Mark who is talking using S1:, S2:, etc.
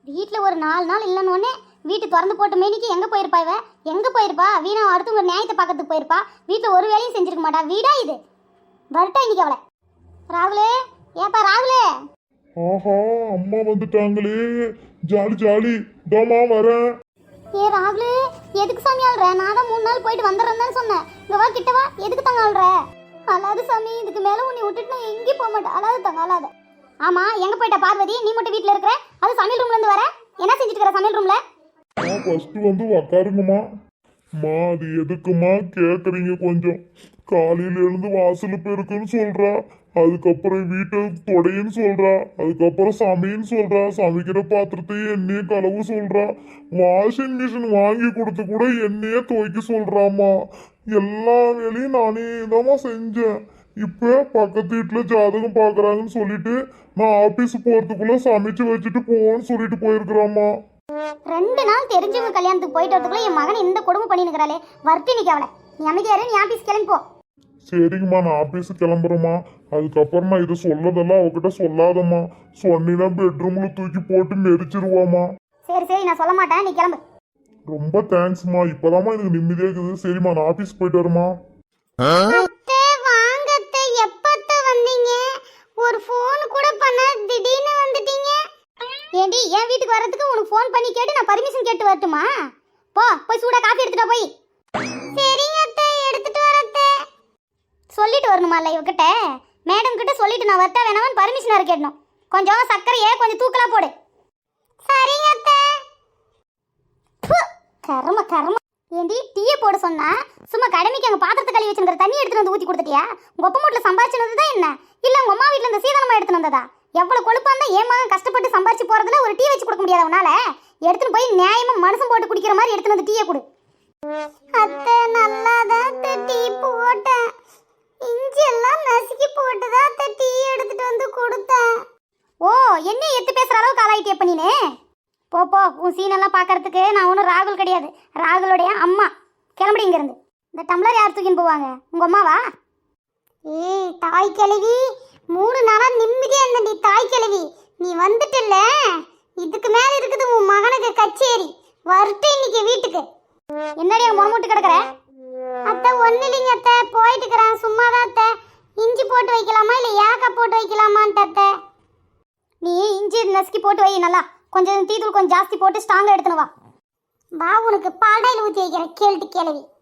S1: வீட்டில் ஒரு 4 நாள் இல்லைன்னு வீட்டு திறந்து போட்டு மேனிக்கு எங்கே போயிருப்பா இவ? எங்கே போயிருப்பா? வீணா அடுத்து ஒரு நியாயத்தை பார்க்கறதுக்கு போயிருப்பா. வீட்டில் ஒரு வேலையும் செஞ்சிருக்க மாட்டா. வீடா இது? வரட்டா இன்னைக்கு அவளை. ராகுலே, ஏப்பா ராகுலே.
S2: ஆஹா, அம்மா வந்துட்டாங்களே, ஜாலி ஜாலி. தோமா வரேன்.
S1: ஏ ராகுலே, எதுக்கு சாமி ஆள்ற? நான் தான் 3 நாள் போயிட்டு வந்துடுறேன்னு சொன்னேன். இங்க வா கிட்ட வா. எதுக்கு தங்க ஆள்ற? அழாது சாமி, இதுக்கு மேல உன்னை விட்டுட்டு நான் எங்கேயும் போக மாட்டேன். அழாது தங்க அழாத. ஆமா, எங்க போயிட்ட பார்வதி? நீ மட்டும் வீட்டுல இருக்கிற? அது சமையல் ரூம்ல இருந்து வர? என்ன செஞ்சுட்டு இருக்கிற சமையல் ரூம்ல?
S2: ஃபர்ஸ்ட் வந்து உக்காருங்கம்மா. மா, அது எதுக்குமா கேக்குறீங்க? கொஞ்சம் காலையில எழுந்து வாசல் பெருக்குன்னு சொல்றா, அதுக்கப்புறம் வீட்டை தொடைன்னு சொல்றா, அதுக்கப்புறம் சமைன்னு சொல்றா, சமைக்கிற பாத்திரத்தையும் எண்ணெயே கலவு சொல்றா, வாஷிங் மிஷின் வாங்கி கொடுத்து கூட எண்ணெயே துவைக்க சொல்றாமா. எல்லா வேலையும் நானே தான்மா செஞ்சேன். இப்ப பக்கத்து வீட்டுல ஜாதகம் பாக்குறாங்கன்னு சொல்லிட்டு நான் ஆபீஸ் போறதுக்குள்ள சமைச்சு வச்சுட்டு போன்னு சொல்லிட்டு போயிருக்கிறாமா.
S1: 2 நாள் தெரிஞ்சவங்க கல்யாணத்துக்கு போயிட்டு வரதுக்குள்ள என் மகன் இந்த கொடுமை பண்ணி நிற்கிறாளே. வர்த்தி நிக்க அவளை. நீ அமைதியாரு, நீ ஆபீஸ் கிளம்பி போ.
S2: சரிங்கம்மா, நான் ஆபீஸ் கிளம்புறேம்மா. அதுக்கப்புறம் நான் இதை சொல்லதெல்லாம் அவகிட்ட சொல்லாதம்மா. சொன்னா பெட்ரூம்ல தூக்கி போட்டு மெரிச்சிருவாமா.
S1: சரி சரி, நான் சொல்ல மாட்டேன், நீ கிளம்பு.
S2: ரொம்ப தேங்க்ஸ்மா, இப்பதாம்மா எனக்கு நிம்மதியா இருக்குது. சரிம்மா, நான் ஆபீஸ் போயிட்டு வரேம்மா.
S1: அத்தை வாங்க அத்தை. எப்பத்த வந்தீங்க? ஒரு ஃபோன் கூட பண்ண திடீர்னு வந்துட்டீங்க. ஏண்டி, என் வீட்டுக்கு வர்றதுக்கு உனக்கு ஃபோன் பண்ணி கேட்டு நான் பர்மிஷன் கேட்டு வரட்டுமா? போய் சூடா காஃபி எடுத்துட்டு போய். சரிங்க அத்தை, எடுத்துட்டு வரத்தே. சொல்லிட்டு வரணுமால இவகிட்ட? மேடம் கிட்ட சொல்லிட்டு நான் வரட்டா வேணாமன்னு பர்மிஷன் வர கேட்டணும். கொஞ்சம் சர்க்கரையே கொஞ்சம் தூக்கலா போடு. சரிங்க அத்தை. கர்ம கர்ம. ஏண்டி, டீயை போட சொன்னா சும்மா கடமைக்கு அங்கே பாத்திரத்தை கழுவி வச்சுருக்கிற தண்ணி எடுத்துட்டு வந்து ஊற்றி கொடுத்துட்டியா? உங்கள் ஒப்ப மூட்டில் சம்பாரிச்சுனது தான் என்ன? இல்லை உங்கள் அம்மா வீட்டில் இந்த சீதனமாக எடுத்துட்டு வந்ததா? எவ்வளோ கொழுப்பாக இருந்தால் ஏன் மகன் கஷ்டப்பட்டு சம்பாரிச்சு போகிறதுல ஒரு டீ வச்சு கொடுக்க முடியாத உன்னால? எடுத்துன்னு போய் நியாயமாக மனுஷன் போட்டு குடிக்கிற மாதிரி எடுத்துன்னு வந்து டீயை கொடு. அத்தை நல்லா தான் டீ போட்டேன். இஞ்சி எல்லாம் நசுக்கி போட்டு தான் டீ எடுத்துட்டு வந்து கொடுத்தேன். ஓ, என்ன எத்து பேசுகிற அளவுக்கு ஆளாயிட்டே பண்ணினே? போ, உன் சீனெல்லாம் பார்க்கறதுக்கு நான் ஒன்றும் ராகுல் கிடையாது. ராகுலுடைய அம்மா. கிளம்புடி இங்கேருந்து. இந்த டம்ளர் யார் தூக்கின்னு போவாங்க? உங்கள் அம்மாவா? ஏய் தாய் கிழவி, 3 நாளா நிம்மதியா இருந்தடி தாய் கிழவி. நீ வந்துட்டல, இதுக்கு மேல இருக்குது உன் மகனுக்கு கச்சேரி. வரட்டு இன்னைக்கு வீட்டுக்கு. என்னடி முறமுட்டு கிடக்குற? அத்தை ஒன்றும் இல்லைங்க அத்தை, போயிட்டு இருக்கிறேன். சும்மா தான் அத்தை. இஞ்சி போட்டு வைக்கலாமா இல்லை ஏலக்காய் போட்டு வைக்கலாமான்ட்டு அத்தை. நீ இஞ்சி நசுக்கி போட்டு வை நல்லா. கொஞ்சம் டீ தூள் கொஞ்சம் ஜாஸ்தி போட்டு ஸ்ட்ராங்காக எடுத்துன்னு வா. உனக்கு பாடாயில் ஊற்றி வைக்கிறேன். கேள்வி.